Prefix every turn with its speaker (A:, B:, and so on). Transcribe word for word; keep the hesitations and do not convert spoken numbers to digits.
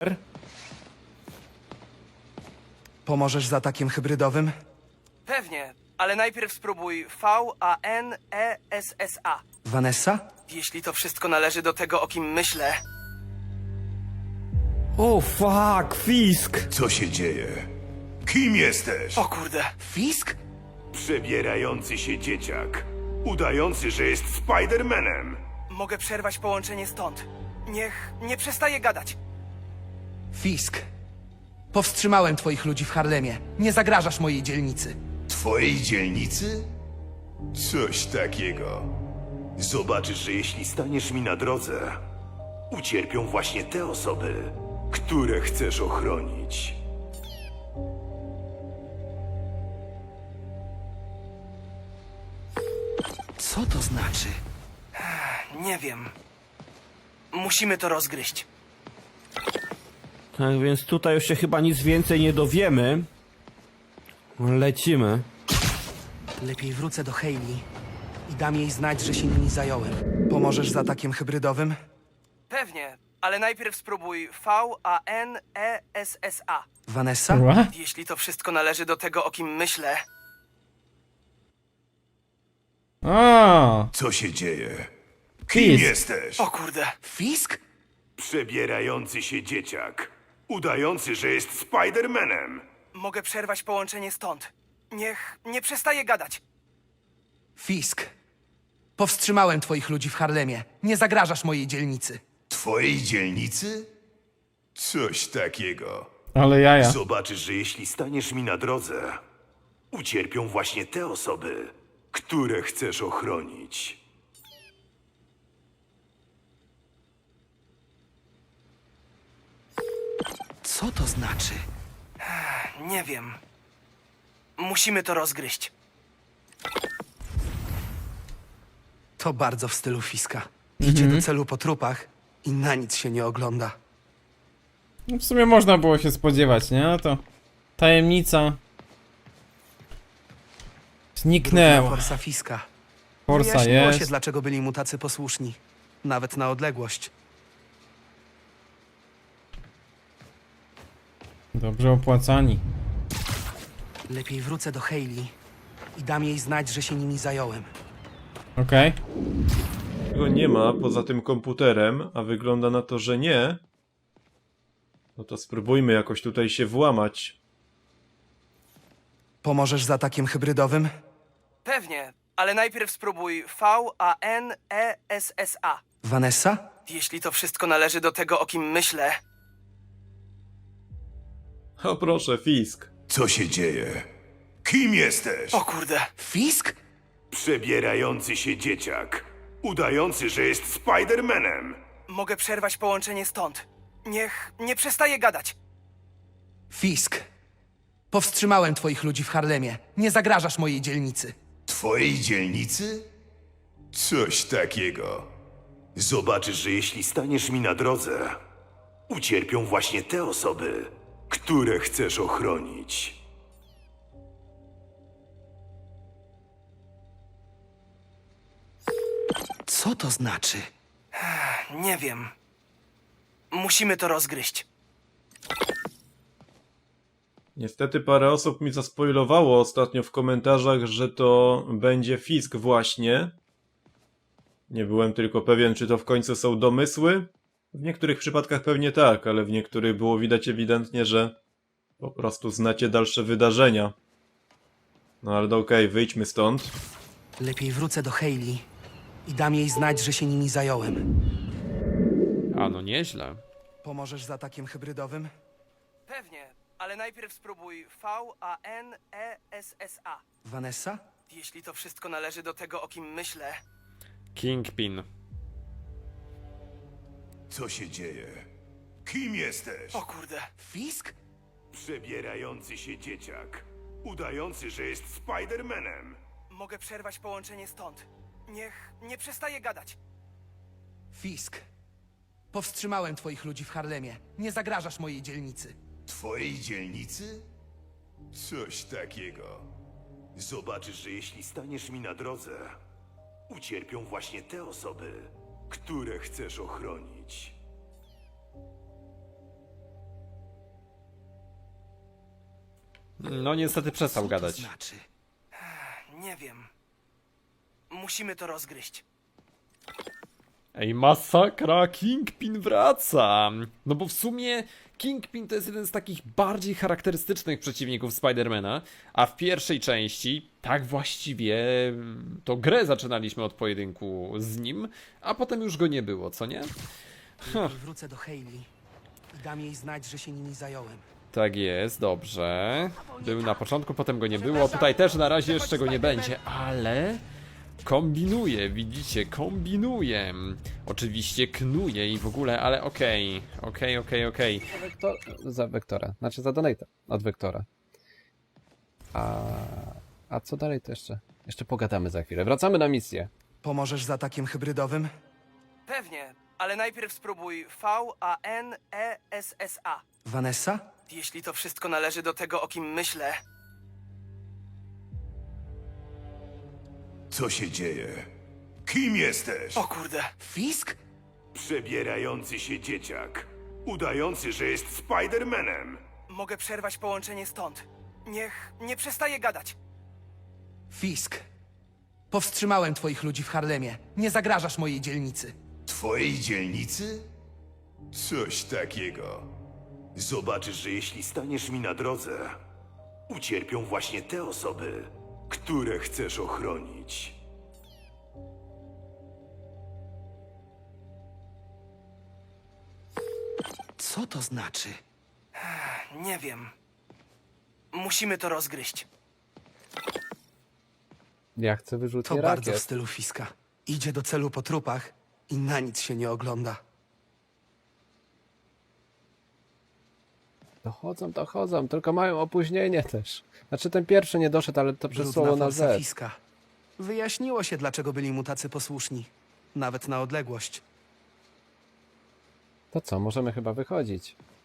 A: Pomożesz z atakiem hybrydowym?
B: Pewnie, ale najpierw spróbuj V A N E S S A.
A: Vanessa?
B: Jeśli to wszystko należy do tego, o kim myślę.
C: O fuck, Fisk!
D: Co się dzieje? Kim jesteś?
B: O kurde.
A: Fisk?
D: Przebierający się dzieciak. Udający, że jest Spidermanem.
B: Mogę przerwać połączenie stąd. Niech nie przestaje gadać.
A: Fisk. Powstrzymałem twoich ludzi w Harlemie. Nie zagrażasz mojej dzielnicy.
D: Twojej dzielnicy? Coś takiego. Zobaczysz, że jeśli staniesz mi na drodze, ucierpią właśnie te osoby, które chcesz ochronić.
A: Co to znaczy?
B: Nie wiem. Musimy to rozgryźć.
C: Tak więc tutaj już się chyba nic więcej nie dowiemy. Lecimy.
A: Lepiej wrócę do Hayley i dam jej znać, że się nimi zająłem. Pomożesz z atakiem hybrydowym?
B: Pewnie, ale najpierw spróbuj V A N E S S A.
A: Vanessa?
E: What?
B: Jeśli to wszystko należy do tego, o kim myślę.
E: A,
D: Co się dzieje? Kim
E: Fisk.
D: jesteś?
B: O kurde.
A: Fisk?
D: Przebierający się dzieciak. Udający, że jest Spidermanem.
B: Mogę przerwać połączenie stąd. Niech nie przestaje gadać.
A: Fisk. Powstrzymałem twoich ludzi w Harlemie. Nie zagrażasz mojej dzielnicy.
D: Twojej dzielnicy? Coś takiego.
E: ale jaja.
D: Zobaczysz, że jeśli staniesz mi na drodze, ucierpią właśnie te osoby, które chcesz ochronić.
A: Co to znaczy?
B: Nie wiem. Musimy to rozgryźć.
A: To bardzo w stylu Fiska. Idzie do celu po trupach i na nic się nie ogląda.
E: No w sumie można było się spodziewać, nie? No to tajemnica
A: Brudna
E: zniknęła.
A: forsa Fiska.
E: Forsa
A: Wyjaśniło się,
E: jest.
A: dlaczego byli mu tacy posłuszni. Nawet na odległość.
E: Dobrze opłacani.
A: Lepiej wrócę do Hayley i dam jej znać, że się nimi zająłem.
E: Okej.
F: Go nie ma poza tym komputerem, a wygląda na to, że nie. No to spróbujmy jakoś tutaj się włamać.
A: Pomożesz z atakiem hybrydowym?
B: Pewnie, ale najpierw spróbuj V A N E S S A.
A: Vanessa?
B: Jeśli to wszystko należy do tego, o kim myślę.
F: O proszę, Fisk.
D: Co się dzieje? Kim jesteś?
B: O kurde.
A: Fisk?
D: Przebierający się dzieciak. Udający, że jest Spidermanem.
B: Mogę przerwać połączenie stąd. Niech nie przestaje gadać.
A: Fisk. Powstrzymałem twoich ludzi w Harlemie. Nie zagrażasz mojej dzielnicy.
D: Twojej dzielnicy? Coś takiego. Zobaczysz, że jeśli staniesz mi na drodze, ucierpią właśnie te osoby, które chcesz ochronić.
A: Co to znaczy?
B: Nie wiem. Musimy to rozgryźć.
F: Niestety parę osób mi zaspoilowało ostatnio w komentarzach, że to będzie Fisk właśnie. Nie byłem tylko pewien, czy to w końcu są domysły. W niektórych przypadkach pewnie tak, ale w niektórych było widać ewidentnie, że po prostu znacie dalsze wydarzenia. No ale okej, wyjdźmy stąd.
A: Lepiej wrócę do Hayley i dam jej znać, że się nimi zająłem.
G: A no nieźle.
A: Pomożesz z atakiem hybrydowym?
B: Pewnie, ale najpierw spróbuj V A N E S S A.
A: Vanessa?
B: Jeśli to wszystko należy do tego, o kim myślę.
G: Kingpin.
D: Co się dzieje? Kim jesteś?
B: O kurde.
A: Fisk?
D: Przebierający się dzieciak. Udający, że jest Spidermanem.
B: Mogę przerwać połączenie stąd. Niech nie przestaje gadać.
A: Fisk. Powstrzymałem twoich ludzi w Harlemie. Nie zagrażasz mojej dzielnicy.
D: Twojej dzielnicy? Coś takiego. Zobaczysz, że jeśli staniesz mi na drodze, ucierpią właśnie te osoby, które chcesz ochronić.
G: No niestety przestał
A: Co
G: gadać.
A: to znaczy?
B: Nie wiem. Musimy to rozgryźć.
G: Ej, masakra, Kingpin wraca! No bo w sumie Kingpin to jest jeden z takich bardziej charakterystycznych przeciwników Spidermana, a w pierwszej części, tak właściwie, to grę zaczynaliśmy od pojedynku z nim, a potem już go nie było, co nie?
A: Lepiej wrócę do Hayley i dam jej znać, że się nimi zająłem.
G: Tak jest, dobrze. Był na początku, potem go nie było, tutaj też na razie jeszcze go nie będzie, ale... Kombinuje, widzicie, kombinuje. Oczywiście knuje i w ogóle, ale okej, okej, okej, okej.
H: Wektor, za Wektora, znaczy za Donata od Wektora. A, a co dalej to jeszcze? Jeszcze pogadamy za chwilę. Wracamy na misję.
A: Pomożesz z atakiem hybrydowym?
B: Pewnie, ale najpierw spróbuj V A N E S S A.
A: Vanessa?
B: Jeśli to wszystko należy do tego, o kim myślę,
D: Co się dzieje? Kim jesteś?
B: o kurde.
A: Fisk?
D: Przebierający się dzieciak. Udający, że jest Spidermanem.
B: Mogę przerwać połączenie stąd. Niech nie przestaje gadać.
A: Fisk. Powstrzymałem twoich ludzi w Harlemie. Nie zagrażasz mojej dzielnicy.
D: Twojej dzielnicy? Coś takiego. Zobaczysz, że jeśli staniesz mi na drodze, ucierpią właśnie te osoby, które chcesz ochronić.
A: Co to znaczy?
B: Nie wiem. Musimy to rozgryźć.
H: Ja chcę
A: To
H: wyrzutnie
A: bardzo w
H: rakiet.
A: stylu Fiska. Idzie do celu po trupach i na nic się nie ogląda.
H: Dochodzą, dochodzą, tylko mają opóźnienie też. Znaczy ten pierwszy nie doszedł, ale to
A: Brudna
H: przesłało na
A: forsa
H: Z.
A: Fiska. Wyjaśniło się, dlaczego byli mu tacy posłuszni. Nawet na odległość.
H: To co, możemy chyba wychodzić.